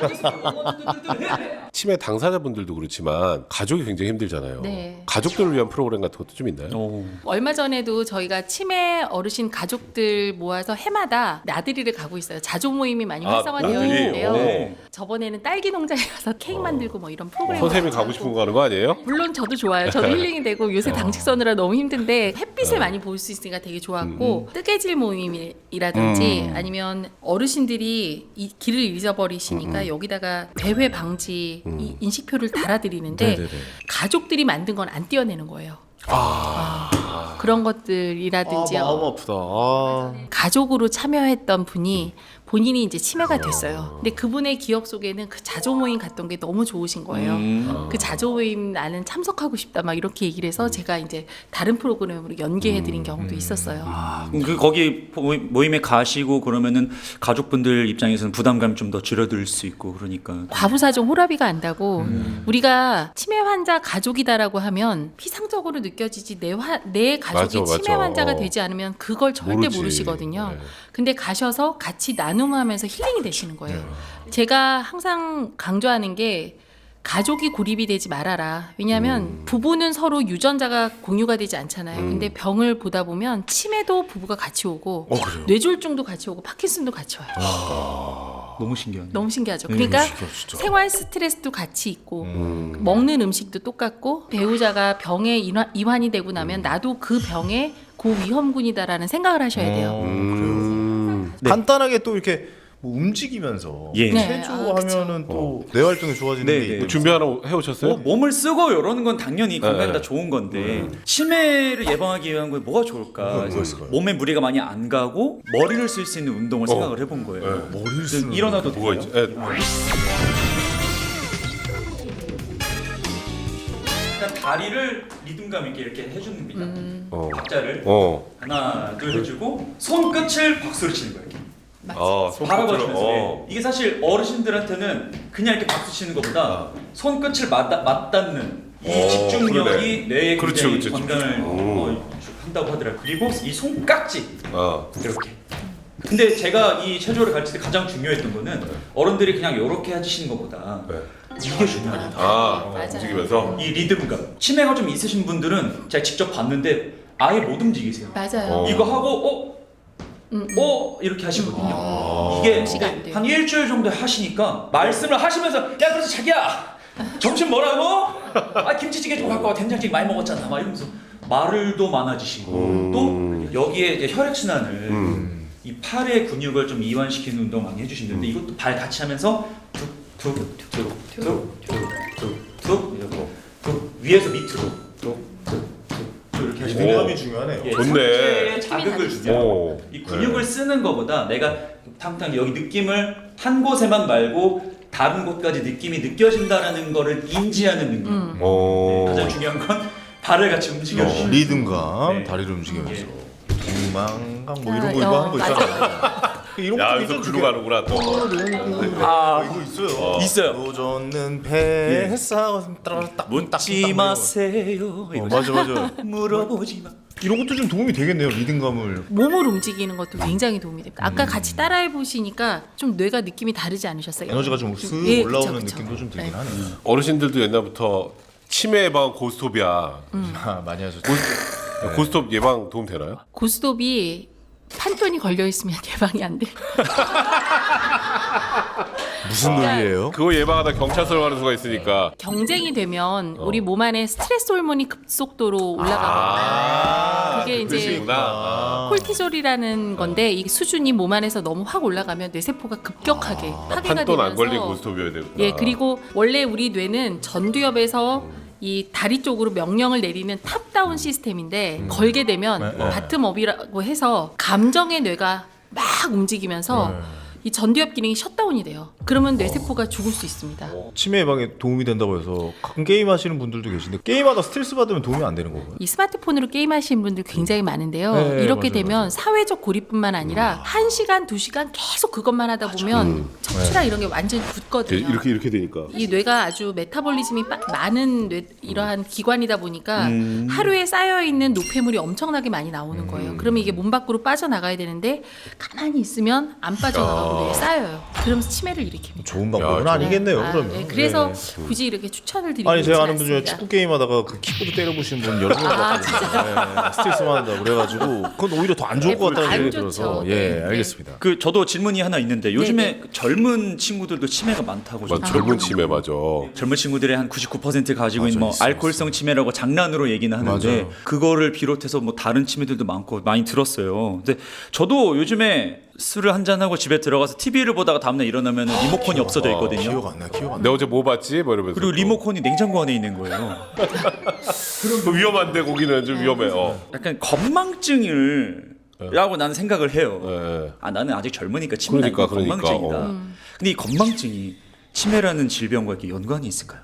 [SPEAKER 3] 치매 당사자분들도 그렇지만 가족이 굉장히 힘들잖아요.
[SPEAKER 1] 네.
[SPEAKER 3] 가족들을 위한 프로그램 같은 것도 좀 있나요?
[SPEAKER 4] 오.
[SPEAKER 1] 얼마 전에도 저희가 치매 어르신 가족들 모아서 해마다 나들이를 가고 있어요. 자조 모임이 많이
[SPEAKER 3] 아,
[SPEAKER 1] 활성화되어
[SPEAKER 3] 나들이?
[SPEAKER 1] 있는데요.
[SPEAKER 3] 오.
[SPEAKER 1] 저번에는 딸기 농장에 가서 케이크 만들고 뭐 이런 프로그램.
[SPEAKER 3] 선생님이 가고 싶은 거 하는 거 아니에요?
[SPEAKER 1] 물론 저도 좋아요. 저도 힐링이 되고 요새 당직 서느라 너무 힘든데 햇빛을 많이 볼 수 있으니까 되게 좋았고 뜨개질 모임이라든지 아니면 어르신들이 이 길을 잊어버리시니까 여기다가 배회 방지 이 인식표를 달아드리는데
[SPEAKER 2] 네네네.
[SPEAKER 1] 가족들이 만든 건 안 떼어내는 거예요. 아, 그런 것들이라든지
[SPEAKER 2] 아, 마음 아프다. 아.
[SPEAKER 1] 가족으로 참여했던 분이 본인이 이제 치매가 됐어요. 근데 그분의 기억 속에는 그 자조 모임 갔던 게 너무 좋으신 거예요.
[SPEAKER 4] 음.
[SPEAKER 1] 그 자조 모임 나는 참석하고 싶다 막 이렇게 얘기를 해서 제가 이제 다른 프로그램으로 연계해드린 경우도 있었어요.
[SPEAKER 4] 아, 그럼 그 거기 모임- 모임에 가시고 그러면은 가족분들 입장에서는 부담감 좀 더 줄어들 수 있고 그러니까.
[SPEAKER 1] 과부사정 호라비가 안다고 우리가 치매 환자 가족이다라고 하면 피상적으로 느껴지지 내, 화, 내 가족이
[SPEAKER 3] 맞아,
[SPEAKER 1] 치매
[SPEAKER 3] 맞아.
[SPEAKER 1] 환자가 되지 않으면 그걸 절대
[SPEAKER 3] 모르지.
[SPEAKER 1] 모르시거든요.
[SPEAKER 3] 네.
[SPEAKER 1] 근데 가셔서 같이 나눔하면서 힐링이 되시는 거예요. 제가 항상 강조하는 게 가족이 고립이 되지 말아라. 왜냐하면
[SPEAKER 3] 음.
[SPEAKER 1] 부부는 서로 유전자가 공유가 되지 않잖아요. 근데 병을 보다 보면 치매도 부부가 같이 오고
[SPEAKER 2] 어, 그래요?
[SPEAKER 1] 뇌졸중도 같이 오고 파킨슨도 같이 와요.
[SPEAKER 4] 너무 신기하네.
[SPEAKER 1] 너무 신기하죠. 그러니까
[SPEAKER 2] 신기하다, 진짜.
[SPEAKER 1] 생활 스트레스도 같이 있고
[SPEAKER 3] 음.
[SPEAKER 1] 먹는 음식도 똑같고 배우자가 병에 이완, 이완이 되고 나면 나도 그 병의 고위험군이다라는 생각을 하셔야 돼요.
[SPEAKER 3] 음.
[SPEAKER 4] 네.
[SPEAKER 2] 간단하게 또 이렇게 뭐 움직이면서
[SPEAKER 4] 예.
[SPEAKER 1] 네.
[SPEAKER 2] 체조하면은 또 뇌 활동이 좋아지는
[SPEAKER 4] 네,
[SPEAKER 2] 게
[SPEAKER 4] 네.
[SPEAKER 2] 있고.
[SPEAKER 3] 준비 하나 해오셨어요?
[SPEAKER 4] 뭐 몸을 쓰고 이러는 건 당연히 건강에
[SPEAKER 3] 네.
[SPEAKER 4] 다 좋은 건데 치매를 예방하기 위한 건 뭐가 좋을까?
[SPEAKER 2] 뭐가- 뭐가 있을까요?
[SPEAKER 4] 몸에 무리가 많이 안 가고 머리를 쓸 수 있는 운동을 생각을 해본 거예요.
[SPEAKER 3] 네.
[SPEAKER 2] 머리를 쓰는
[SPEAKER 4] 일어나도
[SPEAKER 3] 뭐가
[SPEAKER 4] 돼요?
[SPEAKER 3] 있지? 예.
[SPEAKER 4] 그냥 다리를 리듬감 있게 이렇게 해주는 겁니다.
[SPEAKER 3] 어.
[SPEAKER 4] 박자를
[SPEAKER 3] 어.
[SPEAKER 4] 하나 둘 해주고 손끝을 박수를 치는 거예요. 이렇게.
[SPEAKER 3] 아,
[SPEAKER 4] 바라봐주면서
[SPEAKER 3] 어.
[SPEAKER 4] 이게 사실 어르신들한테는 그냥 이렇게 박수 치는 것보다 손끝을 맞다, 맞닿는 이
[SPEAKER 3] 어,
[SPEAKER 4] 집중력이
[SPEAKER 3] 그러네.
[SPEAKER 4] 뇌에
[SPEAKER 3] 그렇죠,
[SPEAKER 4] 굉장히
[SPEAKER 3] 그렇죠.
[SPEAKER 4] 건강을 어, 한다고 하더라고요. 그리고 이 손깍지
[SPEAKER 3] 아.
[SPEAKER 4] 이렇게. 근데 제가 이 체조를 가르칠 때 가장 중요했던 거는 어른들이 그냥 이렇게 해주시는 것보다
[SPEAKER 3] 네.
[SPEAKER 4] 이게 중요하다.
[SPEAKER 3] 아,
[SPEAKER 1] 맞아요.
[SPEAKER 3] 움직이면서.
[SPEAKER 4] 이 리듬감. 치매가 좀 있으신 분들은 제가 직접 봤는데 아예 못 움직이세요.
[SPEAKER 1] 맞아요.
[SPEAKER 3] 어.
[SPEAKER 4] 이거 하고 어?
[SPEAKER 1] 음, 음.
[SPEAKER 4] 어? 이렇게 하시거든요.
[SPEAKER 3] 아.
[SPEAKER 4] 이게
[SPEAKER 1] 무시가 안 돼요.
[SPEAKER 4] 한 일주일 정도 하시니까 말씀을 하시면서 야 그래서 자기야 점심 뭐라고? 아 김치찌개 좀 갖고 와 된장찌개 많이 먹었잖아 막 이러면서 말을도 많아지시고
[SPEAKER 3] 음.
[SPEAKER 4] 또 여기에 이제 혈액순환을
[SPEAKER 3] 음.
[SPEAKER 4] 이 팔의 근육을 좀 이완시키는 운동 많이 해주시는데 이것도 발 같이 하면서 툭툭툭툭툭툭툭 이러고 툭 위에서 밑으로 툭툭툭 이렇게 하시고
[SPEAKER 2] 리듬감이 중요하네요.
[SPEAKER 4] 예,
[SPEAKER 3] 좋네.
[SPEAKER 4] 상체에 자극을
[SPEAKER 1] 힘이
[SPEAKER 4] 주냐.
[SPEAKER 3] 오.
[SPEAKER 4] 이 근육을 쓰는 것보다 내가 탕탕 여기 느낌을 한 곳에만 말고 다른 곳까지 느낌이 느껴진다라는 거를 인지하는 능력.
[SPEAKER 1] 음.
[SPEAKER 3] 어.
[SPEAKER 4] 가장 중요한 건 발을 같이 움직여
[SPEAKER 2] 어,
[SPEAKER 4] 주시는.
[SPEAKER 2] 리듬감,
[SPEAKER 4] 네.
[SPEAKER 2] 다리를 움직이면서
[SPEAKER 4] 예.
[SPEAKER 2] 동망강 뭐
[SPEAKER 1] 아,
[SPEAKER 2] 이런 거 이거
[SPEAKER 1] 어,
[SPEAKER 2] 하는 거
[SPEAKER 1] 맞아.
[SPEAKER 2] 있잖아요. 이런
[SPEAKER 3] 야,
[SPEAKER 2] 것도
[SPEAKER 3] 여기서
[SPEAKER 2] 있죠,
[SPEAKER 3] 글로 가는구나 또.
[SPEAKER 2] 아, 이거 있어요.
[SPEAKER 4] 있어요.
[SPEAKER 2] 노젓는 뱃사 따라딱
[SPEAKER 4] 묻지 마세요.
[SPEAKER 2] 어, 맞아 맞아.
[SPEAKER 4] 물어보지 마.
[SPEAKER 2] 이런 것도 좀 도움이 되겠네요. 리듬감을.
[SPEAKER 1] 몸을 움직이는 것도 굉장히 도움이 됩니다. 아까 같이 따라해 보시니까 좀 뇌가 느낌이 다르지 않으셨어요?
[SPEAKER 2] 에너지가 좀 쓱
[SPEAKER 1] 예,
[SPEAKER 2] 올라오는
[SPEAKER 1] 그쵸, 그쵸.
[SPEAKER 2] 느낌도 좀 들긴
[SPEAKER 1] 네.
[SPEAKER 2] 하네요.
[SPEAKER 3] 어르신들도 옛날부터 치매 예방 고스톱이야.
[SPEAKER 2] 아, 많이 하셨죠.
[SPEAKER 3] 고스톱 예방 도움 되나요?
[SPEAKER 1] 고스톱이 판돈이 걸려 있으면 예방이 안 돼.
[SPEAKER 2] 무슨 논리예요?
[SPEAKER 3] 그거 예방하다 경찰서로 가는 수가 있으니까.
[SPEAKER 1] 경쟁이 되면 우리 몸 안에 스트레스 호르몬이 급속도로 올라가거든요.
[SPEAKER 3] 아,
[SPEAKER 1] 그게 이제
[SPEAKER 3] 뜻이구나.
[SPEAKER 1] 콜티졸이라는 건데 이 수준이 몸 안에서 너무 확 올라가면 뇌세포가 급격하게 파괴가
[SPEAKER 3] 판돈 안
[SPEAKER 1] 되면서
[SPEAKER 3] 걸린 고스톱이어야 되구나.
[SPEAKER 1] 예, 그리고 원래 우리 뇌는 전두엽에서 이 다리 쪽으로 명령을 내리는 탑다운 시스템인데 걸게 되면
[SPEAKER 2] 네, 네.
[SPEAKER 1] 바텀업이라고 해서 감정의 뇌가 막 움직이면서
[SPEAKER 2] 네.
[SPEAKER 1] 이 전두엽 기능이 셧다운이 돼요. 그러면 뇌세포가 죽을 수 있습니다.
[SPEAKER 2] 치매 예방에 도움이 된다고 해서 가끔 게임 하시는 분들도 계신데 게임하다 스트레스 받으면 도움이 안 되는 거고요.
[SPEAKER 1] 이 스마트폰으로 게임하시는 분들 굉장히 많은데요.
[SPEAKER 2] 네,
[SPEAKER 1] 이렇게
[SPEAKER 2] 맞아요,
[SPEAKER 1] 되면
[SPEAKER 2] 맞아요.
[SPEAKER 1] 사회적 고립뿐만 아니라 한 시간, 두 시간 계속 그것만 하다 보면 수치랑 이런 게 완전히 굳거든요.
[SPEAKER 3] 이렇게 이렇게 되니까.
[SPEAKER 1] 이 뇌가 아주 메타볼리즘이 빠, 많은 뇌, 이러한 기관이다 보니까
[SPEAKER 3] 음.
[SPEAKER 1] 하루에 쌓여 있는 노폐물이 엄청나게 많이 나오는 거예요. 그러면 이게 몸 밖으로 빠져나가야 되는데 가만히 있으면 안 빠져나가고 뇌에 쌓여요. 그러면서 치매를 일으킵니다.
[SPEAKER 2] 좋은 방법은
[SPEAKER 3] 야,
[SPEAKER 2] 아니겠네요.
[SPEAKER 1] 아,
[SPEAKER 2] 그러면.
[SPEAKER 1] 네, 그래서
[SPEAKER 2] 네.
[SPEAKER 1] 굳이 이렇게 추천을 드리고
[SPEAKER 2] 아니 제가
[SPEAKER 1] 있진
[SPEAKER 2] 아는 분 중에
[SPEAKER 1] 않습니다.
[SPEAKER 2] 축구 게임하다가 그 킥보드 때려부신 분 여러 명
[SPEAKER 1] 아,
[SPEAKER 2] 봤거든요. 네, 스트레스 받는다 그래가지고 그건 오히려 더 안 좋을 것 같다는
[SPEAKER 1] 안
[SPEAKER 2] 생각이
[SPEAKER 1] 좋죠.
[SPEAKER 2] 들어서
[SPEAKER 1] 네,
[SPEAKER 2] 예
[SPEAKER 1] 네.
[SPEAKER 2] 알겠습니다.
[SPEAKER 4] 그 저도 질문이 하나 있는데 요즘에
[SPEAKER 1] 네네.
[SPEAKER 4] 젊은 친구들도 치매가 많다고
[SPEAKER 3] 맞아,
[SPEAKER 4] 좀
[SPEAKER 3] 젊은 치매 맞아.
[SPEAKER 4] 젊은 친구들의 한 구십구 퍼센트 가지고
[SPEAKER 2] 맞아,
[SPEAKER 4] 있는 뭐
[SPEAKER 2] 있어,
[SPEAKER 4] 알코올성 치매라고 장난으로 얘기는 하는데
[SPEAKER 2] 맞아요.
[SPEAKER 4] 그거를 비롯해서 뭐 다른 치매들도 많고 많이 들었어요. 근데 저도 요즘에 술을 한 잔 하고 집에 들어가서 티비를 보다가 다음날 일어나면 리모컨이 없어져 있거든요.
[SPEAKER 2] 기억 안 나, 기억 안 나.
[SPEAKER 3] 내가 어제 뭐 봤지? 뭐 이러면서.
[SPEAKER 4] 그리고 리모컨이 냉장고 안에 있는 거예요.
[SPEAKER 3] 그 위험한데 거기는 좀 위험해. 어.
[SPEAKER 4] 약간 건망증을 라고 나는 생각을 해요.
[SPEAKER 3] 예.
[SPEAKER 4] 아 나는 아직 젊으니까 치매가
[SPEAKER 3] 그러니까,
[SPEAKER 4] 아니고
[SPEAKER 3] 그러니까,
[SPEAKER 4] 건망증이다.
[SPEAKER 3] 어.
[SPEAKER 1] 음.
[SPEAKER 4] 근데 이 건망증이 치매라는 질병과 이렇게 연관이 있을까요?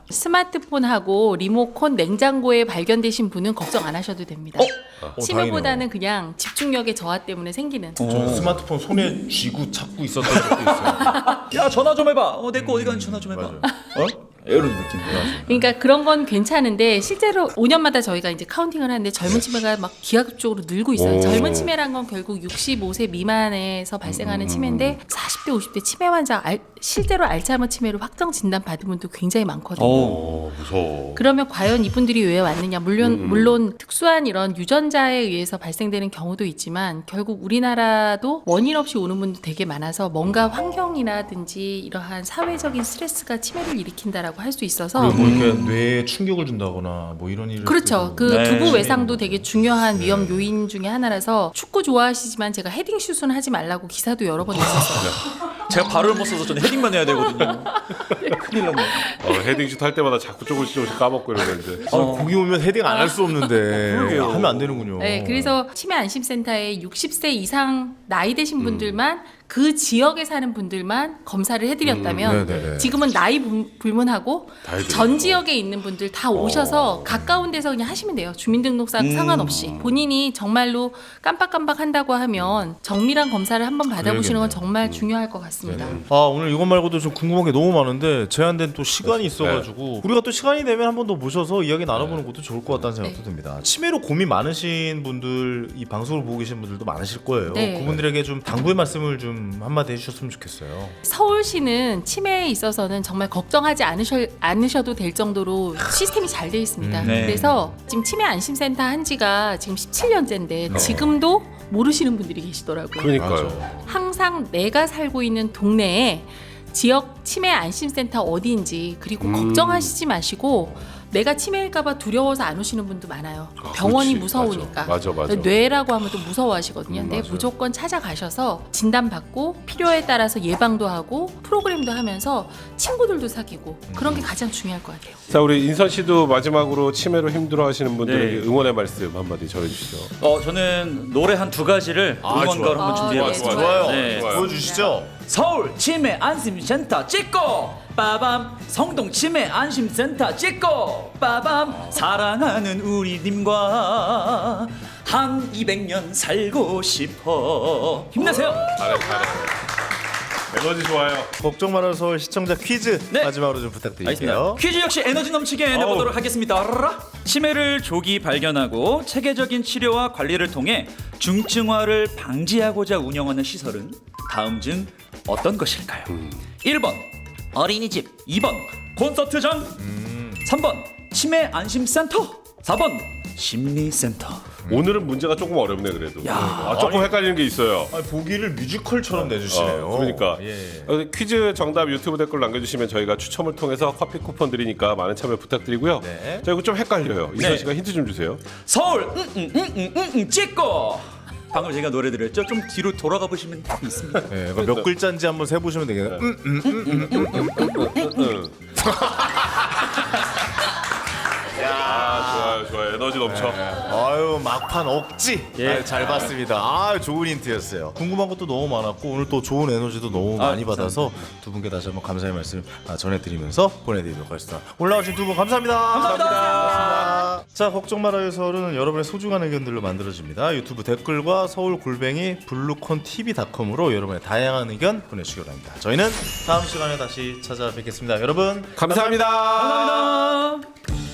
[SPEAKER 1] 스마트폰하고 리모컨, 냉장고에 발견되신 분은 걱정 안 하셔도 됩니다.
[SPEAKER 2] 어,
[SPEAKER 1] 치매보다는 그냥 집중력의 저하 때문에 생기는.
[SPEAKER 2] 저는 스마트폰 손에 쥐고 찾고 있었던 적도 있어요.
[SPEAKER 4] 야 전화 좀 해봐. 어, 내 거 어디 갔는지 전화 좀 해봐. 어? 이런 느낌.
[SPEAKER 1] 그러니까 그런 건 괜찮은데 실제로 오 년마다 저희가 이제 카운팅을 하는데 젊은 치매가 막 기하급적으로 늘고 있어요.
[SPEAKER 3] 오.
[SPEAKER 1] 젊은 치매란 건 결국 육십오 세 미만에서 발생하는 치매인데 사십 대, 오십 대 치매 환자 알, 실제로 알츠하이머 치매로 확정 진단 받은 분도 굉장히 많거든요.
[SPEAKER 3] 어, 무서워.
[SPEAKER 1] 그러면 과연 이분들이 왜 왔느냐? 물론
[SPEAKER 3] 음.
[SPEAKER 1] 물론 특수한 이런 유전자에 의해서 발생되는 경우도 있지만 결국 우리나라도 원인 없이 오는 분도 되게 많아서 뭔가 환경이라든지 이러한 사회적인 스트레스가 치매를 일으킨다라고 할 수 있어서
[SPEAKER 2] 그리고 뭐 이렇게 뇌에 충격을 준다거나 뭐 이런 일.
[SPEAKER 1] 그렇죠. 그
[SPEAKER 4] 네.
[SPEAKER 1] 두부 외상도 되게 중요한 위험 요인 중에 하나라서 축구 좋아하시지만 제가 헤딩 슛은 하지 말라고 기사도 여러 번 냈었어요.
[SPEAKER 4] 제가 발을 못 써서 저는 헤딩만 해야 되거든요. 큰일 났네.
[SPEAKER 3] 어, 헤딩슛 할 때마다 자꾸 조금씩 조금씩 까먹고 이러는데.
[SPEAKER 2] 아, 거기 오면 헤딩 안 할 수 없는데 하면 안 되는군요.
[SPEAKER 1] 네, 그래서 치매 안심센터에 육십 세 이상 나이 되신 분들만 그 지역에 사는 분들만 검사를 해드렸다면
[SPEAKER 2] 음, 네네네.
[SPEAKER 1] 지금은 나이 불- 불문하고
[SPEAKER 3] 다 해드리고.
[SPEAKER 1] 전 지역에 있는 분들 다 오셔서 가까운 데서 그냥 하시면 돼요. 주민등록상 상관없이 본인이 정말로 깜빡깜빡 한다고 하면 정밀한 검사를 한번 받아보시는 건 정말 중요할 것 같습니다.
[SPEAKER 2] 아 오늘 이것 말고도 좀 궁금한 게 너무 많은데 제한된 또 시간이 있어가지고 우리가 또 시간이 되면 한 번 더 모셔서 이야기 나눠보는 것도 좋을 것 같다는 생각도
[SPEAKER 1] 네.
[SPEAKER 2] 듭니다. 치매로 고민 많으신 분들 이 방송을 보고 계신 분들도 많으실 거예요.
[SPEAKER 1] 네.
[SPEAKER 2] 그분들에게 좀 당부의 말씀을 좀 한마디 해주셨으면 좋겠어요.
[SPEAKER 1] 서울시는 치매에 있어서는 정말 걱정하지 않으셔, 않으셔도 될 정도로 시스템이 잘 돼 있습니다.
[SPEAKER 2] 음,
[SPEAKER 4] 네.
[SPEAKER 1] 그래서 지금 치매 안심센터 한 지가 지금 십칠 년째인데 지금도 모르시는 분들이 계시더라고요.
[SPEAKER 3] 그러니까요.
[SPEAKER 1] 항상 내가 살고 있는 동네에 지역 치매 안심센터 어디인지 그리고
[SPEAKER 3] 음.
[SPEAKER 1] 걱정하시지 마시고 내가 치매일까봐 두려워서 안 오시는 분도 많아요.
[SPEAKER 3] 아,
[SPEAKER 1] 병원이
[SPEAKER 3] 그렇지.
[SPEAKER 1] 무서우니까.
[SPEAKER 3] 맞아, 맞아, 맞아.
[SPEAKER 1] 뇌라고 하면 또 무서워하시거든요.
[SPEAKER 3] 음,
[SPEAKER 1] 근데
[SPEAKER 3] 맞아요.
[SPEAKER 1] 무조건 찾아가셔서 진단받고 필요에 따라서 예방도 하고 프로그램도 하면서 친구들도 사귀고 그런 게 가장 중요할 것 같아요.
[SPEAKER 3] 자, 우리 인선 씨도 마지막으로 치매로 힘들어하시는 분들에게
[SPEAKER 4] 네.
[SPEAKER 3] 응원의 말씀 한마디 전해주시죠.
[SPEAKER 4] 어 저는 노래 한 두 가지를 응원가로
[SPEAKER 1] 아,
[SPEAKER 4] 한번 준비해봤습니다.
[SPEAKER 1] 네, 좋아요.
[SPEAKER 4] 네.
[SPEAKER 2] 보여주시죠.
[SPEAKER 4] 서울 치매 안심센터 찍고 빠밤 성동 치매 안심센터 찍고 빠밤 사랑하는 우리님과 한 이백 년 살고 싶어 힘내세요.
[SPEAKER 3] 잘해, 잘해. 에너지 좋아요.
[SPEAKER 2] 걱정 말아요 서울 시청자 퀴즈
[SPEAKER 4] 네.
[SPEAKER 2] 마지막으로 좀
[SPEAKER 4] 알겠습니다.
[SPEAKER 2] 부탁드릴게요.
[SPEAKER 4] 퀴즈 역시 에너지 넘치게 내보도록 하겠습니다. 라라. 치매를 조기 발견하고 체계적인 치료와 관리를 통해 중증화를 방지하고자 운영하는 시설은 다음 중 어떤 것일까요? 일 번 어린이집, 이 번 콘서트장, 삼 번 치매 안심센터, 사 번 심리센터.
[SPEAKER 3] 오늘은 문제가 조금 어렵네 그래도.
[SPEAKER 4] 야.
[SPEAKER 3] 아, 조금 헷갈리는 게 있어요.
[SPEAKER 2] 아니, 보기를 뮤지컬처럼 내주시네요.
[SPEAKER 3] 어, 그러니까
[SPEAKER 2] 예.
[SPEAKER 3] 어, 퀴즈 정답 유튜브 댓글 남겨주시면 저희가 추첨을 통해서 커피 쿠폰 드리니까 많은 참여 부탁드리고요.
[SPEAKER 2] 네.
[SPEAKER 3] 자, 이거 좀 헷갈려요. 이선
[SPEAKER 4] 네.
[SPEAKER 3] 씨가 힌트 좀 주세요.
[SPEAKER 4] 서울 응응응응응 찍고 방금 제가 노래 드렸죠? 좀 뒤로 돌아가 보시면 답이 있습니다.
[SPEAKER 2] 네, 그럼 몇 글자인지 한번 세보시면 되겠네요. 음, 음, 음, 음, 음.
[SPEAKER 3] 응. 아, 좋아요, 좋아요, 좋아요. 에너지 넘쳐.
[SPEAKER 2] 아유 막판 억지
[SPEAKER 4] 예.
[SPEAKER 2] 아, 잘 봤습니다. 아 좋은 힌트였어요. 궁금한 것도 너무 많았고 오늘 또 좋은 에너지도 너무
[SPEAKER 4] 아,
[SPEAKER 2] 많이 받아서 두 분께 다시 한번 감사의 말씀 아, 전해드리면서 보내드리도록 하겠습니다. 올라오신 두 분 감사합니다. 감사합니다. 자 걱정 말아요 서울은 여러분의 소중한 의견들로 만들어집니다. 유튜브 댓글과 서울 골뱅이 블루콘 티비닷컴으로 여러분의 다양한 의견 보내주시기 바랍니다. 저희는 다음 시간에 다시 찾아뵙겠습니다. 여러분
[SPEAKER 3] 감사합니다.
[SPEAKER 4] 감사합니다.